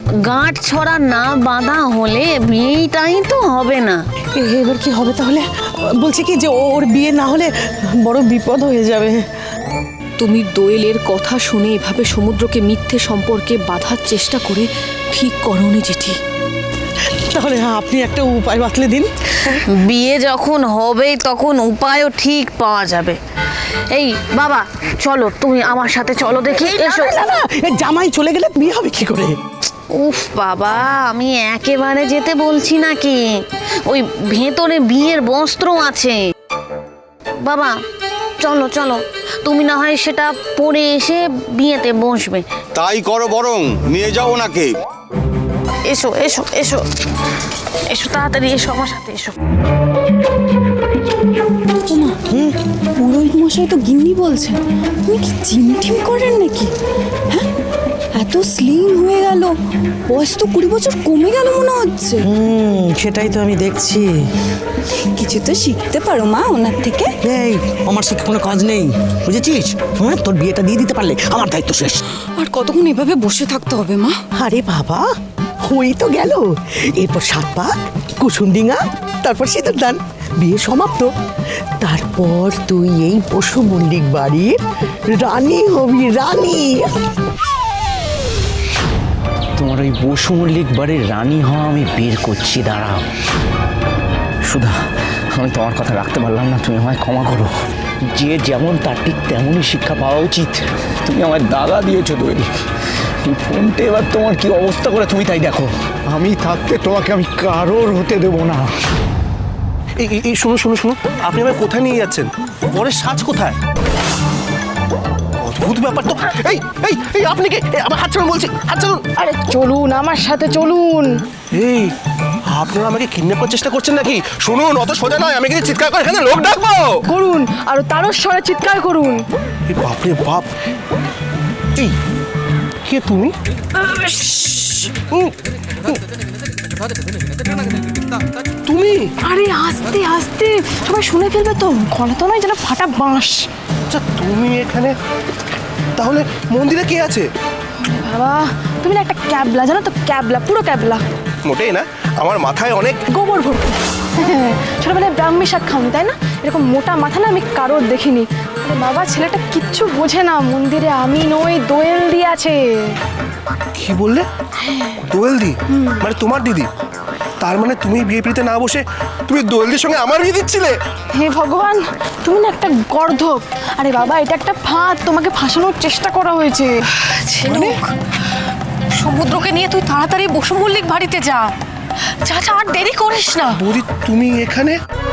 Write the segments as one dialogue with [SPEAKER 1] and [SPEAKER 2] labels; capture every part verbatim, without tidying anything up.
[SPEAKER 1] গাঁট ছড়া না বাঁধা হলে বিয়েটাই তো হবে না।
[SPEAKER 2] এবার কি হবে তাহলে? বলছে কি যে ওর বিয়ে না হলে বড় বিপদ হয়ে যাবে।
[SPEAKER 3] তুমি দোয়েলের কথা শুনে এভাবে সমুদ্রকে মিথ্যে সম্পর্কে বাঁধার চেষ্টা করে ঠিক করনি জেঠি।
[SPEAKER 2] তাহলে আপনি একটা উপায় বাতলে দিন।
[SPEAKER 1] বিয়ে যখন হবে তখন উপায়ও ঠিক পাওয়া যাবে। এই বাবা চলো, তুমি আমার সাথে চলো দেখি। এসো।
[SPEAKER 2] না না, জামাই চলে গেলে বিয়ে হবে কি করে?
[SPEAKER 1] উফ বাবা, আমি একেবারে যেতে বলছি নাকি, ওই ভেতরে বিয়ের বস্ত্র আছে। বাবা চলো চলো, তুমি না হয় সেটা পরে এসে বিয়েতে বসবে।
[SPEAKER 4] তাই করো, বরং নিয়ে যাও ওনাকে।
[SPEAKER 1] এসো এসো এসো এসো, তাড়াতাড়ি এসো আমার সাথে এসো।
[SPEAKER 3] ওমা, পুরোহিত মশাই তো গিন্নি বলছেন, তুমি কি জিম টিম করেন নাকি? হ্যাঁ, এত স্লিম হয়ে গেল, বয়স তো কুড়ি বছর কমে গেল মনে হচ্ছে।
[SPEAKER 2] হুম, সেটাই তো আমি দেখছি।
[SPEAKER 3] কিছু তো শিখতে পারো মা ওনার থেকে।
[SPEAKER 2] এই, আমার শিখে কোনো কাজ নেই, বুঝেছিস? হ্যাঁ, তোর বিয়েটা দিয়ে দিতে পারলে আমার দায়িত্ব শেষ।
[SPEAKER 3] আর কতক্ষণ এভাবে বসে থাকতে হবে মা?
[SPEAKER 2] আরে বাবা, হই তো গেল। এরপর সাত পাক, কুসুমডিঙা, তারপর সিঁদুর দান, বিয়ে সমাপ্ত। তারপর তুই এই পশু মল্লিক বাড়ির রানী হবি, রানী।
[SPEAKER 5] তোমার ওই বসু মল্লিক বাড়ির রানী হওয়া আমি বের করছি, দাঁড়াও। সুধা, আমি তোমার কথা রাখতে পারলাম না, তুমি আমায় ক্ষমা করো। যে যেমন তার ঠিক তেমনই শিক্ষা পাওয়া উচিত। তুমি আমায় দাগা দিয়েছো দোয়েল। এই ফোনটা এবার তোমার কি অবস্থা করে তুমি তাই দেখো। আমি থাকতে তোমাকে আমি কারোর হতে দেবো না।
[SPEAKER 6] এই এই শুনুন শুনুন শুনুন, আপনি আমায় কোথায় নিয়ে যাচ্ছেন? পরের সাজ কোথায়? অদ্ভুত ব্যাপার তো। এই এই এই আপনি কে? এই, আমার হাত ছাড়ুন বলছি, হাত ছাড়ুন।
[SPEAKER 2] আরে চলুন আমার সাথে, চলুন।
[SPEAKER 6] এই, আপনারা আমাকে কিডন্যাপ করার চেষ্টা করছেন নাকি? শুনুন, অত সোজা নয়, আমি কিন্তু চিৎকার করে এখানে লোক ডাকবো।
[SPEAKER 2] করুন, আর তারও স্বরে চিৎকার করুন।
[SPEAKER 6] এই বাপরে বাপ। এই, কে তুমি? উম, উম। তুমি?
[SPEAKER 2] আরে আস্তে আস্তে, সবাই শুনে ফেলবে তো। গলা তো নয় যেন ফাটা বাঁশ।
[SPEAKER 6] আচ্ছা, তুমি এখানে, তাহলে মন্দিরে কে আছে?
[SPEAKER 2] বাবা, তুমি না একটা ক্যাবলা, জানো তো? ক্যাবলা, পুরো ক্যাবলা।
[SPEAKER 6] মোটেই না, আমার মাথায় অনেক
[SPEAKER 2] গোবর ভর্তি। ছোটবেলায় ব্রাহ্মী শাক খাওনি তাই না? এরকম মোটা মাথা না আমি কারোর দেখিনি। আরে বাবা, ছেলেটা কিচ্ছু বোঝে না। মন্দিরে আমি নই, দোয়েল দি আছে।
[SPEAKER 6] কি বললে? দোয়েল দি মানে তোমার দিদি? তার মানে তুমি বিয়ে পিড়িতে না বসে তুমি দোয়েলদির সঙ্গে আমার বিয়ে দিচ্ছিলে?
[SPEAKER 2] হে ভগবান, তুমি না একটা গর্ধব। আরে বাবা, এটা একটা ফাঁদ, তোমাকে ফাঁসানোর চেষ্টা করা হয়েছে।
[SPEAKER 3] মানে সমুদ্রকে নিয়ে তুই তাড়াতাড়ি বসু মল্লিক বাড়িতে যা। যা যা, আর দেরি করিস না।
[SPEAKER 6] বৌদি, তুমি এখানে?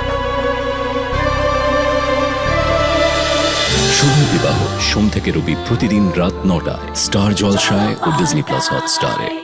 [SPEAKER 7] শুভ বিবাহ সোম থেকে রবি প্রতিদিন রাত নটায় স্টার জলসায় ও ডিজনি প্লাস হটস্টারে।